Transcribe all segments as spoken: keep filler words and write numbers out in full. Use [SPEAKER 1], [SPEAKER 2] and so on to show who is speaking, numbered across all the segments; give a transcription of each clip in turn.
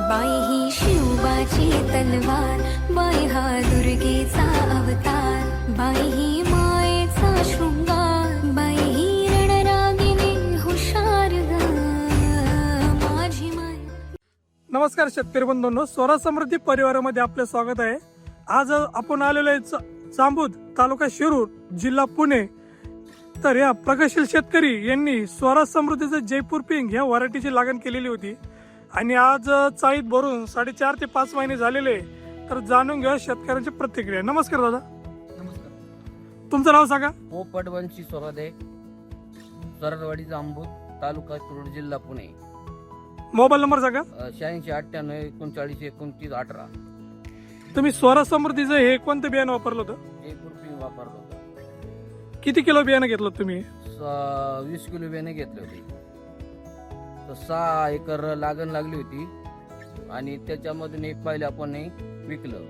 [SPEAKER 1] बाई ही शिवबाची तलवार, बाई हा दुर्गेचा अवतार, बाई ही मायेचा शृंगार, बाई ही रणरागिणी हुशार ग माझी माय.
[SPEAKER 2] नमस्कार शेतकरी बंधूंनो, स्वराज समृद्धी परिवारामध्ये आपले स्वागत आहे. आज आपण आलेलो आहे जांबूद, तालुका शिरूर, जिल्हा पुणे. तर या प्रगतशील शेतकरी यांनी स्वराज समृद्धीचं जयपूर पिंक ह्या व्हरायटीची लागण केलेली होती आणि आज चाळीत भरून साडेचार ते पाच महिने झालेले. तर जाणून घ्या शेतकऱ्यांची प्रतिक्रिया. नमस्कार दादा.
[SPEAKER 3] नमस्कार.
[SPEAKER 2] तुमचं नाव सांगा.
[SPEAKER 3] पोपट वंशी स्वरादे, सरळवाडी जांबूद, तालुका शिरूर, जिल्हा पुणे.
[SPEAKER 2] मोबाईल नंबर सांगा.
[SPEAKER 3] शहाऐंशी अठ्ठ्याण्णव एकोणचाळीस एकोणतीस अठरा.
[SPEAKER 2] तुम्ही स्वराज समृद्धीचं हे कोणतं बियाणं वापरलं होतं?
[SPEAKER 3] जयपूर पिंक वापरत होतो.
[SPEAKER 2] किती किलो बियाणं घेतलं तुम्ही?
[SPEAKER 3] स- वीस किलो बियाणे घेतले होते. तर सहा एकर लागण लागली होती आणि त्याच्यामधून एक पाहिलं आपण हे विकलं.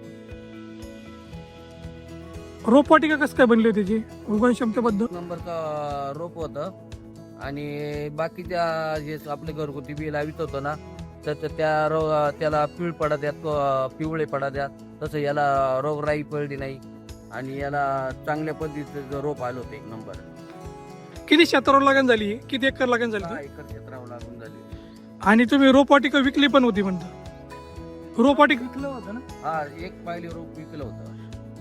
[SPEAKER 2] रोपवाटिका कसं काय बनली होती त्याची उगवण क्षमतेबद्दल?
[SPEAKER 3] नंबरचा रोप होतं आणि बाकीच्या जे आपले घरगुती बी लावित होतं ना, तर त्या रो त्याला पिळ पडा द्यात, पिवळे पडा द्यात. तसं याला रोगराई पडली नाही आणि याला चांगल्या पद्धतीचं रोप आलं होतं एक नंबर.
[SPEAKER 2] किती क्षेत्रावर लागण झाली? किती एकर लागण झाली?
[SPEAKER 3] दहा एकर क्षेत्रावर लागून झाली.
[SPEAKER 2] आणि तुम्ही रोपवाटिका विकली पण होती म्हणता. रोपवाटिका विकलं होतं ना?
[SPEAKER 3] हा, एक पाहिली रोप विकलं होतं.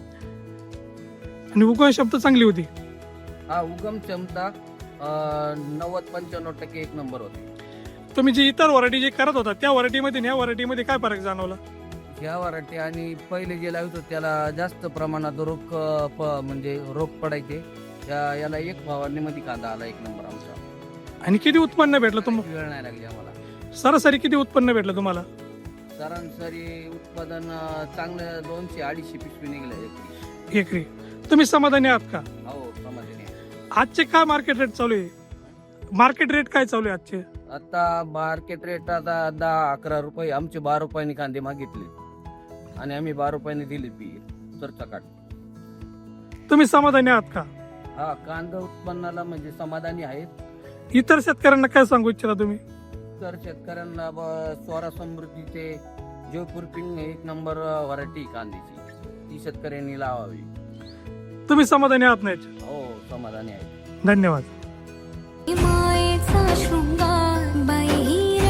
[SPEAKER 2] आणि उगवण क्षमता चांगली होती.
[SPEAKER 3] हा, उगम क्षमता नव्वद पंच्याण्णव टक्के एक नंबर होती.
[SPEAKER 2] तुम्ही जी इतर व्हरायटी जे करत होता त्या व्हरायटीमध्ये आणि या व्हरायटीमध्ये काय फरक जाणवला?
[SPEAKER 3] ह्या वराठी आणि पहिले जे लावत होते त्याला जास्त प्रमाणात रोग प म्हणजे रोग पडायचे. या- याला एक फवारणीमध्ये कांदा आला एक नंबर आमचा.
[SPEAKER 2] आणि किती उत्पन्न भेटलं तुम्हाला?
[SPEAKER 3] वेळ नाही लागली आम्हाला.
[SPEAKER 2] सरासरी किती उत्पन्न भेटलं तुम्हाला?
[SPEAKER 3] सरासरी उत्पादन अं, चांगलं दोनशे अडीचशे पिशवी निघले एकरी.
[SPEAKER 2] एकरी. तुम्ही समाधानी आहात का?
[SPEAKER 3] हो, समाधानी आहे.
[SPEAKER 2] आजचे काय मार्केट रेट चालू आहे? मार्केट रेट काय चालू आहे आजचे?
[SPEAKER 3] आता मार्केट रेट आता दहा अकरा रुपये. आमचे बारा रुपयांनी कांदे मागितले आणि आम्ही बारा रुपयांनी दिले पी सरसकट.
[SPEAKER 2] तुम्ही समाधानी आहात का?
[SPEAKER 3] हा, कांदा उत्पन्नाला म्हणजे समाधानी आहेत.
[SPEAKER 2] इतर शेतकऱ्यांना काय सांगू इच्छिता तुम्ही?
[SPEAKER 3] तर शेतकऱ्यांना ब- स्वरा समृद्धीचे जयपूर पिंक एक नंबर व्हरायटी कांद्याची, ती शेतकऱ्यांनी लावावी.
[SPEAKER 2] तुम्ही समाधानी आहात नाही?
[SPEAKER 3] हो, समाधानी आहे.
[SPEAKER 2] धन्यवाद.